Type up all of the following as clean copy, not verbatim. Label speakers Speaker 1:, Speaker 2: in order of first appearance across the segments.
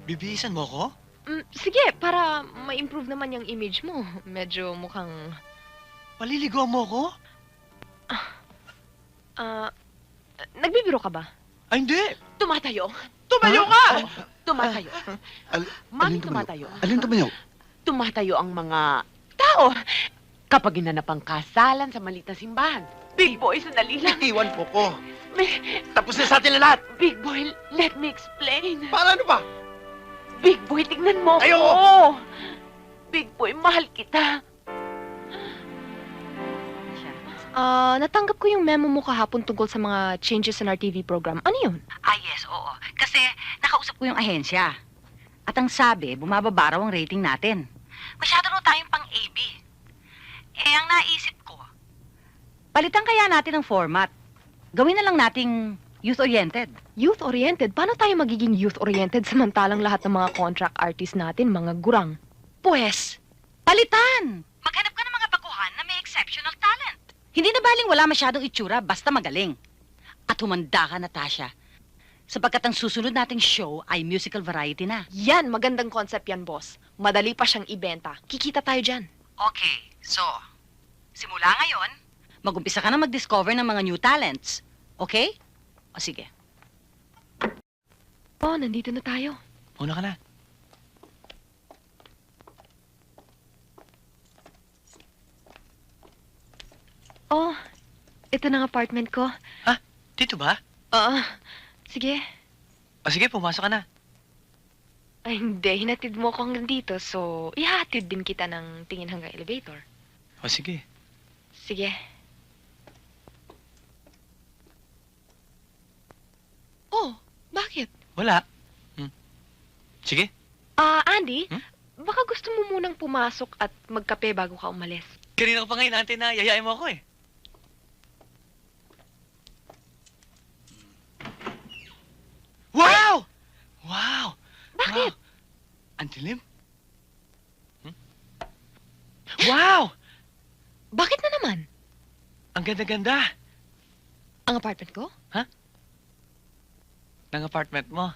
Speaker 1: Bibihisan mo ko?
Speaker 2: Sige, para ma-improve naman yung image mo. Medyo mukhang...
Speaker 1: Paliligaw mo ko?
Speaker 2: Nagbibiro ka ba?
Speaker 1: Ay, hindi.
Speaker 3: Tumatayo! Tumayo ka! Tumatayo. Mami,
Speaker 4: alin
Speaker 3: tumatayo.
Speaker 4: Alin tumayo?
Speaker 3: Tumatayo ang mga tao kapag ginanap ang kasalan sa maliit na simbahan. Big boy, sandali lang.
Speaker 4: Iwan po ko.
Speaker 3: May-
Speaker 4: Tapos na sa atin na lahat.
Speaker 3: Big boy, let me explain.
Speaker 4: Para ano ba?
Speaker 3: Big boy, tignan mo
Speaker 4: Ayoko.
Speaker 3: ko. Big boy, mahal kita.
Speaker 2: Natanggap ko yung memo mo kahapon tungkol sa mga changes in our TV program. Ano yun?
Speaker 5: Yes, oo. Kasi nakausap ko yung ahensya. At ang sabi, bumababa raw ang rating natin. Masyado raw tayong pang-AB. Ang naisip ko, palitan kaya natin ang format. Gawin na lang nating youth-oriented.
Speaker 2: Youth-oriented? Paano tayo magiging youth-oriented samantalang lahat ng mga contract artists natin, mga gurang?
Speaker 5: Pwes, palitan! Maghanap ka ng mga baguhan na may exceptional talent. Hindi na baling wala masyadong itsura, basta magaling. At humanda ka, Natasha. Sapagkat ang susunod nating show ay musical variety na.
Speaker 2: Yan, magandang concept yan, boss. Madali pa siyang ibenta. Kikita tayo dyan.
Speaker 5: Okay, so, simula ngayon, mag-umpisa ka na mag-discover ng mga new talents. Okay? O sige.
Speaker 2: Oh, nandito na tayo.
Speaker 1: Una ka na.
Speaker 2: Oh, ito na ang apartment ko.
Speaker 1: Dito ba?
Speaker 2: Sige.
Speaker 1: O sige, pumasok ka na.
Speaker 2: Ay, hindi. Hinatid mo ako hanggang dito, so ihatid din kita ng tingin hanggang elevator.
Speaker 1: O sige.
Speaker 2: Sige. Oh, bakit?
Speaker 1: Wala. Sige.
Speaker 2: Andy,
Speaker 1: Hmm?
Speaker 2: baka gusto mo munang pumasok at magkape bago ka umalis.
Speaker 1: Kanina ko pa ngayon, ante, na yayain mo ako eh. Wow! Wow!
Speaker 2: Bakit?
Speaker 1: Wow. Ang dilim. Wow!
Speaker 2: Bakit na naman?
Speaker 1: Ang ganda-ganda
Speaker 2: Ang apartment ko?
Speaker 1: ng apartment mo.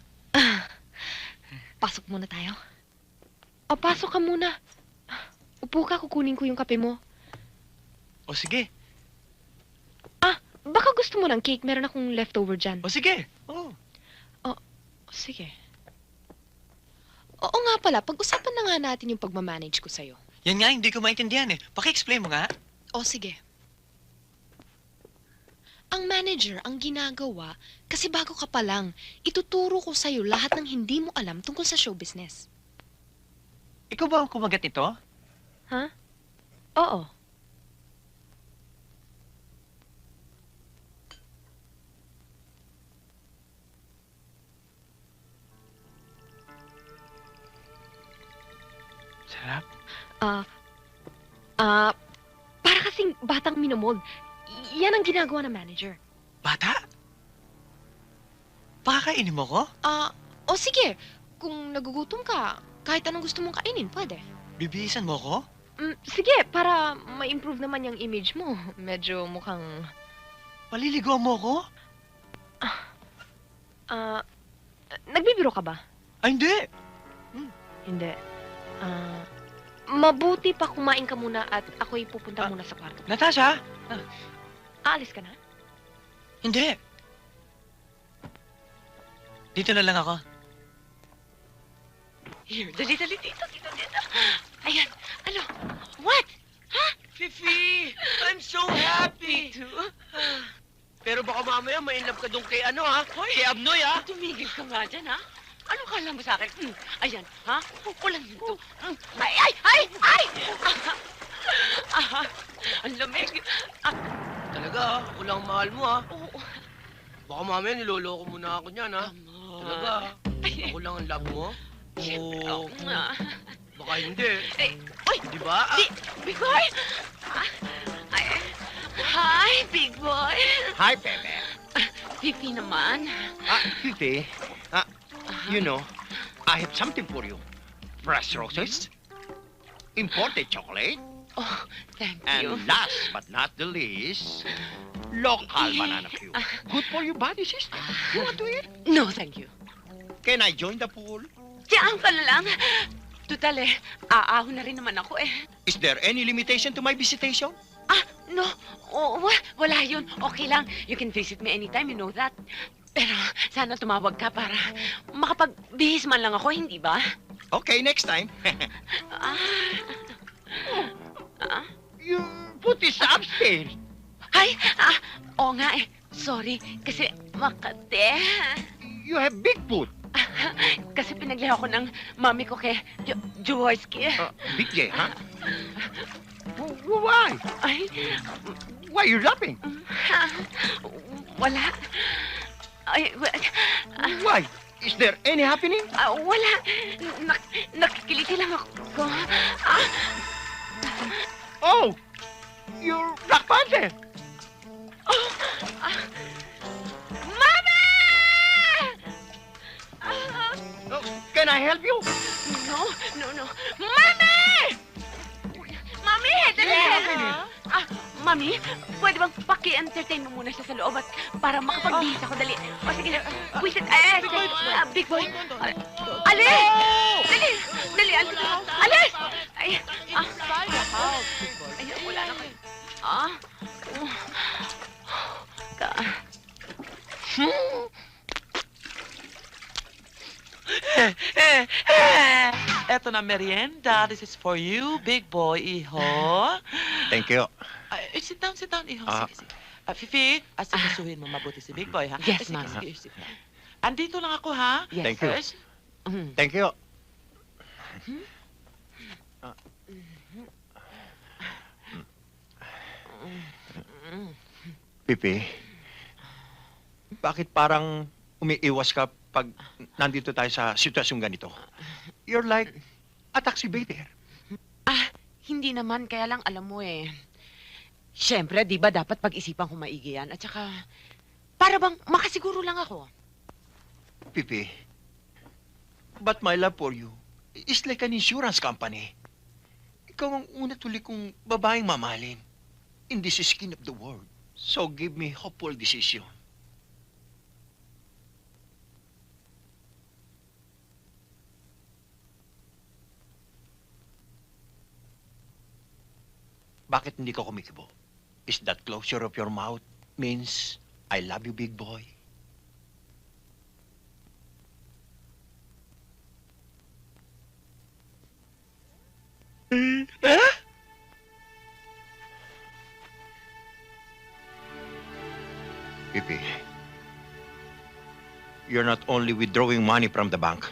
Speaker 2: Pasok muna tayo. Pasok ka muna. Upo ka, kukunin ko yung kape mo.
Speaker 1: O sige.
Speaker 2: Baka gusto mo ng cake, meron akong leftover dyan.
Speaker 1: O sige. Oh.
Speaker 2: Sige. Oo nga pala, pag-usapan na nga natin yung pagmamanage ko sa'yo.
Speaker 1: Yan nga, hindi ko maintindihan eh. Paki-explain mo nga.
Speaker 2: Sige. Ang manager ang ginagawa kasi bago ka pa lang, ituturo ko sa'yo lahat ng hindi mo alam tungkol sa show business.
Speaker 1: Ikaw ba ang kumagat nito?
Speaker 2: Oo.
Speaker 1: Sarap.
Speaker 2: Para kasing batang minomold. Yan ang ginagawa ng manager.
Speaker 1: Bata? Pakakainin mo ko?
Speaker 2: Sige. Kung nagugutom ka, kahit anong gusto mong kainin, pwede.
Speaker 1: Bibihisan mo ko?
Speaker 2: Sige, para ma-improve naman yung image mo. Medyo mukhang...
Speaker 1: Paliligaw mo ko?
Speaker 2: Nagbibiro ka ba?
Speaker 1: Ay, hindi.
Speaker 2: Hindi. Mabuti pa kumain ka muna at ako'y pupunta muna sa kwarto.
Speaker 1: Natasha?
Speaker 2: Aalis ka na?
Speaker 1: Hindi. Dito na lang ako.
Speaker 3: Here, dali, dito. Ayan, ano? What?
Speaker 4: Fifi! I'm so happy!
Speaker 3: Too?
Speaker 4: Pero baka mamaya mainlove ka doon kay ano ha? Kay Abnoy ha?
Speaker 3: Tumigil ka nga dyan, ha? Ano kala mo sa akin? Ayan, ha? Walang hinto. Ay! Ang lamig.
Speaker 4: Talaga ha? Ako lang ang mahal mo ha?
Speaker 3: Oo.
Speaker 4: Baka mamaya niloloko mo na ako niyan ha? Talaga ha? Ako lang ang love mo?
Speaker 3: Siyempre,
Speaker 4: Oo.
Speaker 3: oo nga.
Speaker 4: Baka hindi.
Speaker 3: Uy!
Speaker 4: Di ba?
Speaker 3: Big boy! Hi, big boy!
Speaker 6: Hi, Pepe.
Speaker 3: Pipi naman.
Speaker 6: Fifi, you know, I have something for you. Fresh roses, imported chocolate,
Speaker 3: Oh, thank
Speaker 6: and
Speaker 3: you.
Speaker 6: last but not the least, local banana cue. Good for your body, sister. You want to eat?
Speaker 3: No, thank you.
Speaker 6: Can I join the pool?
Speaker 3: Diyan ka na lang. Tutal aahon na rin naman ako
Speaker 6: Is there any limitation to my visitation?
Speaker 3: No, wala yun. Okay lang. You can visit me anytime, you know that. Pero sana tumawag ka para makapagbihis man lang ako, hindi ba?
Speaker 6: Okay, next time. Your foot is upstairs.
Speaker 3: Ay, oo nga Sorry, kasi makate.
Speaker 6: You have big foot.
Speaker 3: Kasi pinagliha ko ng mami ko kay Jaworski.
Speaker 6: Big J, huh? Why?
Speaker 3: Ay,
Speaker 6: Why are you laughing?
Speaker 3: wala. Ay,
Speaker 6: Why? Is there any happening?
Speaker 3: wala. Nakikiliti lang ako.
Speaker 6: Oh, you're Black Panther.
Speaker 3: Mami!
Speaker 6: Oh, can I help you?
Speaker 3: No. Mami! Mami, dali! Mami, pwede bang paki-entertain mo muna siya sa loob at para makapagbihis ako, dali. O sige, wisit, big boy. Alis! Dali, alis! Ay, wala na kayo.
Speaker 7: Eto na merienda. This is for you, big boy, iho.
Speaker 6: Thank you.
Speaker 7: Sit down, iho.
Speaker 6: Ah.
Speaker 7: Sige. Fifi, asikasuhin mo mabuti si big boy, ha?
Speaker 3: Yes,
Speaker 7: Sige,
Speaker 3: ma'am.
Speaker 7: sige, sit down. Andito lang ako, ha?
Speaker 3: Yes.
Speaker 6: Thank you.
Speaker 7: Yes.
Speaker 6: Thank you. Pipi, bakit parang umiiwas ka pag nandito tayo sa sitwasyong ganito? You're like a taxi waiter.
Speaker 3: Hindi naman, kaya lang alam mo Siyempre, di ba dapat pag-isipan ko maigi yan? At saka, para bang makasiguro lang ako.
Speaker 6: Pipi, but my love for you is like an insurance company. Ikaw ang una tuloy kong babaeng mamahalin in this skin of the world. So give me hopeful decision. Bakit hindi ka kumikibo? Is that closure of your mouth means I love you, big boy? Pipi, you're not only withdrawing money from the bank,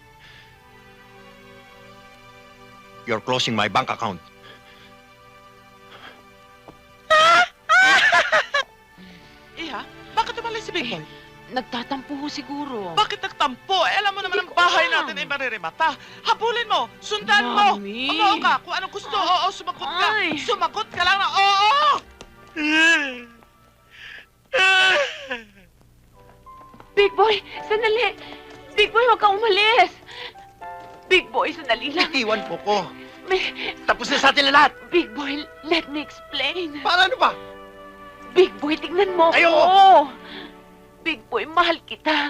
Speaker 6: you're closing my bank account.
Speaker 7: Iha, bakit umalis si big boy?
Speaker 3: Nagtatampo ho siguro.
Speaker 7: Bakit nagtampo? Alam mo naman ang bahay natin ay mariremata. Habulin mo! Sundan mo!
Speaker 3: Mami.
Speaker 7: Umuo ka! Kung anong gusto, oo, sumagot ka!
Speaker 3: Ay.
Speaker 7: Sumagot ka lang na oo!
Speaker 3: Big boy, sandali! Big boy, huwag kang umalis! Big boy, sandali lang.
Speaker 6: Iwan po ko.
Speaker 3: May-
Speaker 6: Tapos na sa atin na lahat.
Speaker 3: Big boy, let me explain.
Speaker 6: Paano ba?
Speaker 3: Big boy, tignan mo ako.
Speaker 6: Ayoko.
Speaker 3: Big boy, mahal kita.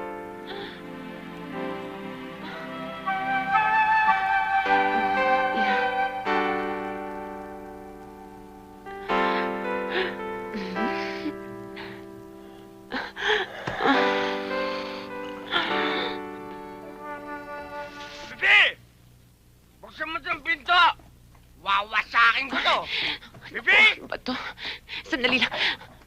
Speaker 4: Bibi! Buksan mo itong pinto! Wawasakin ko to! Bibi!
Speaker 3: Ano ba to? Sandali lang.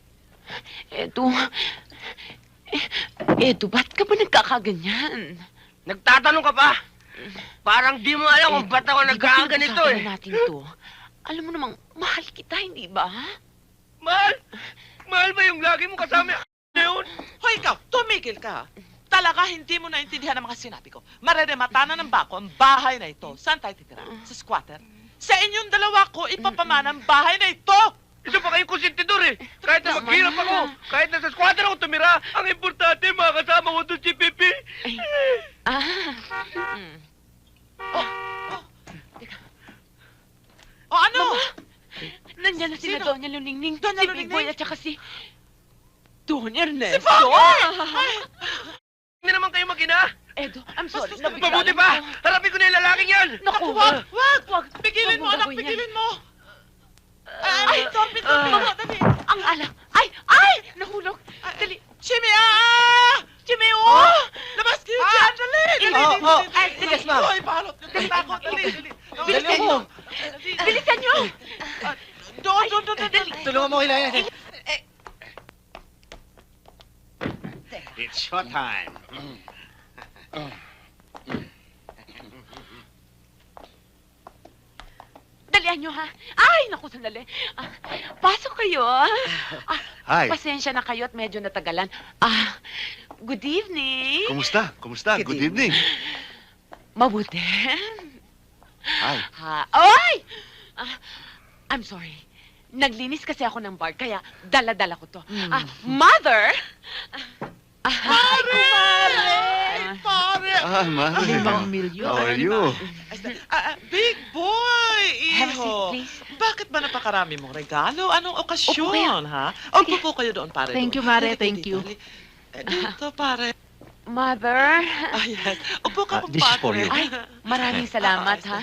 Speaker 3: Edu, ba't ka ba nagkakaganyan?
Speaker 4: Nagtatanong ka pa? Parang di mo alam kung ba't ako nagkakaganito
Speaker 3: Di ba natin to? Alam mo namang, mahal kita, hindi ba?
Speaker 4: Mahal! Mahal ba yung lagi mo kasama na yun?
Speaker 7: Hoy, ikaw, tumigil ka. Talaga hindi mo naintindihan ang mga sinabi ko. Mareremata na ng bako ang bahay na ito. Saan tayo titira? Sa squatter? Sa inyong dalawa ko ipapamana ang bahay na ito!
Speaker 4: Isa pa kayong konsentidor Kahit na
Speaker 3: Tama
Speaker 4: maghirap
Speaker 3: na.
Speaker 4: ako, kahit na sa squatter ako tumira, ang importante, makakasama ko doon si Pipi.
Speaker 7: O ano?
Speaker 3: Nandiyan na si
Speaker 7: Sino?
Speaker 3: Doña Luningning,
Speaker 7: Doña
Speaker 3: si Big Boy
Speaker 7: Luningning?
Speaker 3: at saka si Don Ernesto.
Speaker 7: Ay!
Speaker 4: Hindi naman kayo mag-ina.
Speaker 3: Edo, I'm sorry.
Speaker 4: Mabuti pa! Harapin ko na yung lalaking yan!
Speaker 3: Naku,
Speaker 7: Wag!
Speaker 3: wag.
Speaker 7: Pigilin mo,
Speaker 3: Wag
Speaker 7: anak!
Speaker 3: gagawin yan.
Speaker 7: Pigilin mo!
Speaker 3: Ay,
Speaker 7: Dali!
Speaker 3: Ang alak. Ay! Nahulog. Dali.
Speaker 7: Jimmy, Jimmy, oh! Labas kayo dyan! Dali!
Speaker 3: Ay,
Speaker 4: Yes, ma'am.
Speaker 7: Ay, balot yung takot! Dali!
Speaker 3: Bilisan nyo. Bilisan nyo.
Speaker 7: Doon!
Speaker 4: Tulungan mo kailangan.
Speaker 8: It's showtime.
Speaker 3: Dalian nyo, ha? Ay, naku, sandali. Pasok kayo.
Speaker 8: Hi.
Speaker 3: Pasensya na kayo at medyo natagalan. Good evening.
Speaker 8: Kumusta? Kumusta? Good evening.
Speaker 3: Mabuti.
Speaker 8: Hi.
Speaker 3: Ay! I'm sorry. Naglinis kasi ako ng bar, kaya dala-dala ko to. Mother!
Speaker 7: Pare! Pare!
Speaker 8: Mari.
Speaker 1: milyon.
Speaker 8: How are you?
Speaker 7: Big boy!
Speaker 3: Have a seat,
Speaker 7: Iho!
Speaker 3: please.
Speaker 7: Bakit ba napakarami mong regalo? Anong
Speaker 3: Upo
Speaker 7: okasyon, ha? Upo po kayo doon, pare.
Speaker 1: Thank you,
Speaker 7: doon.
Speaker 1: Mare.
Speaker 7: Dali,
Speaker 1: Thank
Speaker 7: dali,
Speaker 1: you.
Speaker 7: dali. Dito, pare.
Speaker 3: Mother?
Speaker 7: Yes. Upo ka,
Speaker 6: This is for
Speaker 7: kumpadre.
Speaker 6: you.
Speaker 3: Ay, maraming salamat, ha?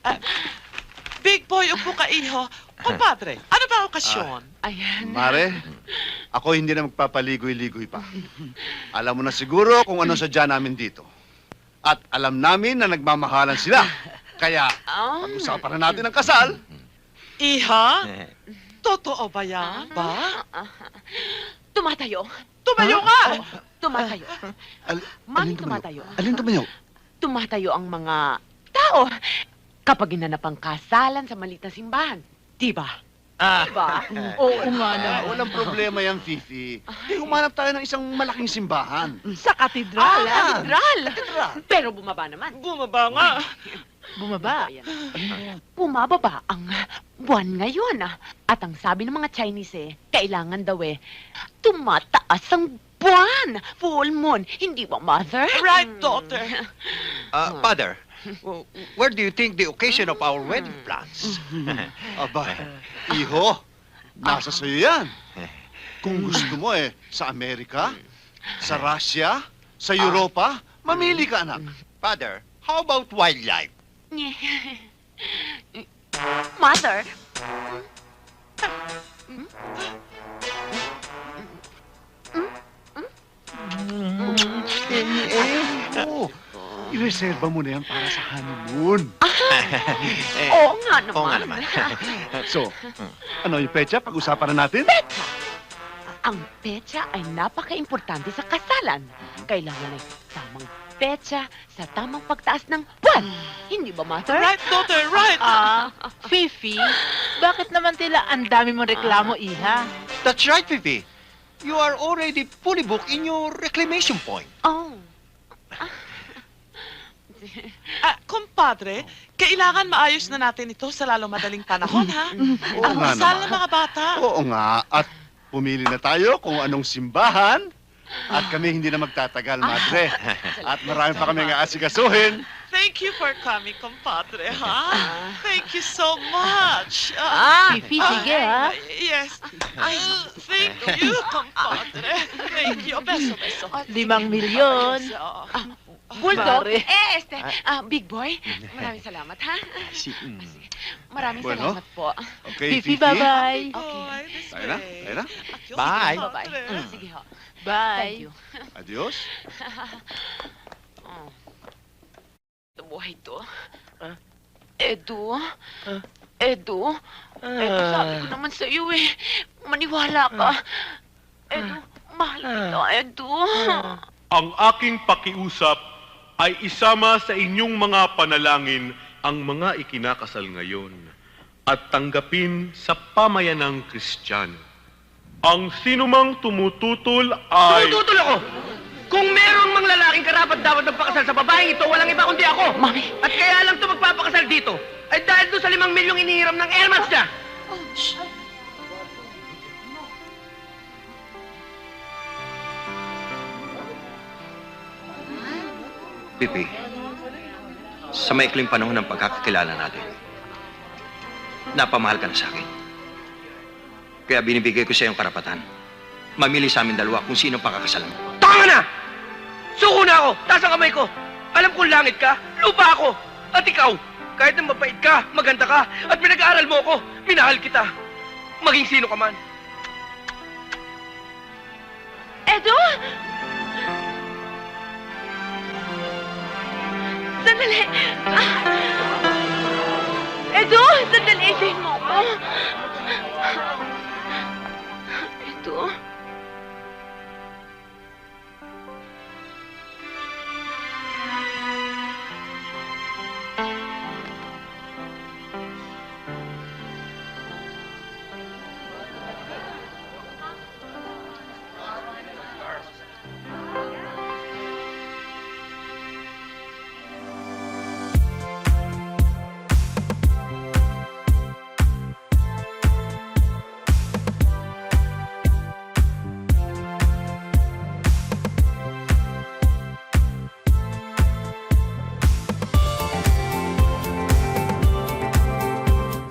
Speaker 7: Big boy, upo ka, iho. Kumpadre, ano ba okasyon?
Speaker 3: Ayan.
Speaker 8: Mare, ako hindi na magpapaligoy-ligoy pa. Alam mo na siguro kung ano sadya namin dito. At alam namin na nagmamahalan sila. Kaya, pag-usapan na natin ang kasal.
Speaker 7: Iha? Totoo ba yan? Ba?
Speaker 3: Tumatayo.
Speaker 7: Tumayo ka!
Speaker 3: Tumatayo. Mami, tumatayo.
Speaker 8: Alin tumayo?
Speaker 3: Tumatayo ang mga tao kapag ginanap ang kasalan sa maliit na simbahan. Diba? Diba?
Speaker 1: Oo nga na.
Speaker 8: Walang problema yan, Fifi. Humanap tayo ng isang malaking simbahan.
Speaker 1: Sa katedral.
Speaker 3: Katedral. Pero bumaba naman.
Speaker 7: Bumaba nga.
Speaker 1: Bumaba.
Speaker 3: Bumababa ang buwan ngayon. At ang sabi ng mga Chinese kailangan daw tumataas ang buwan. Full moon. Hindi ba, Mother?
Speaker 7: Right, daughter.
Speaker 6: Father, where do you think the occasion of our wedding plans?
Speaker 8: Aba, iho, nasa sa'yo yan. Kung gusto mo sa Amerika, sa Russia, sa Europa, mamili ka, anak.
Speaker 6: Father, how about wildlife?
Speaker 3: Mother?
Speaker 8: Oo, ireserba mo na yan para sa honeymoon.
Speaker 3: Oo nga naman.
Speaker 6: Oo nga naman.
Speaker 8: So, ano yung pecha? Pag-usapan na natin?
Speaker 3: Ang petsa ay napaka-importante sa kasalan. Kailangan ay tamang petsa sa tamang pagtaas ng buwan. Hindi ba, Mother?
Speaker 7: Right, daughter, right.
Speaker 1: Fifi, bakit naman tila ang dami mong reklamo, Iha?
Speaker 6: That's right, Pipi. You are already fully booked in your reclamation point.
Speaker 3: Oh.
Speaker 7: Kumpadre, kailangan maayos na natin ito sa lalong madaling panahon, ha?
Speaker 8: Oo
Speaker 7: Ang
Speaker 8: nga
Speaker 7: kasal
Speaker 8: naman.
Speaker 7: ng mga bata.
Speaker 8: Oo nga, at pumili na tayo kung anong simbahan. At kami hindi na magtatagal, madre. At marami pa kami asikasuhin.
Speaker 7: Thank you for coming, kumpadre, ha? Thank you so much.
Speaker 1: Fifi, sige, ha?
Speaker 7: Yes. Thank you, kumpadre. Thank you. Beso, beso.
Speaker 1: 5 milyon.
Speaker 3: Bulldog?
Speaker 1: Mare.
Speaker 3: Big boy, maraming salamat, ha? Maraming
Speaker 8: Bueno.
Speaker 3: salamat po.
Speaker 8: Okay,
Speaker 1: Fifi, bye-bye.
Speaker 3: Okay.
Speaker 8: Tayo na, tayo na.
Speaker 6: Bye.
Speaker 3: Bye-bye. Sige ho. Thank
Speaker 1: Bye.
Speaker 3: you.
Speaker 8: Adios.
Speaker 3: Ito buhay to. Edu? Edu? Edu, sabi ko naman sa iyo maniwala ka. Edu, mahal kita, Edu.
Speaker 9: Ang aking pakiusap ay isama sa inyong mga panalangin ang mga ikinakasal ngayon at tanggapin sa pamayanang Kristiyano. Ang sinumang tumututol ay...
Speaker 4: Tumututol ako! Kung merong mang lalaking karapat dapat magpakasal sa babaeng ito, walang iba kundi ako!
Speaker 3: Mami.
Speaker 4: At kaya lang ito magpapakasal dito, ay dahil doon sa 5 milyong inihiram ng airmats niya!
Speaker 6: Pipi, sa maikling panahon ng pagkakakilala natin, napamahal ka na sa akin. Kaya binibigay ko sa iyong karapatan. Mamili sa amin dalawa kung sino pakakasalan mo.
Speaker 4: Tama na! Suko na ako! Taas ang kamay ko! Alam kong langit ka, lupa ako. At ikaw, kahit na mabait ka, maganda ka, at pinag-aaral mo ako, minahal kita. Maging sino ka man.
Speaker 3: Edo! Sandali! Edo!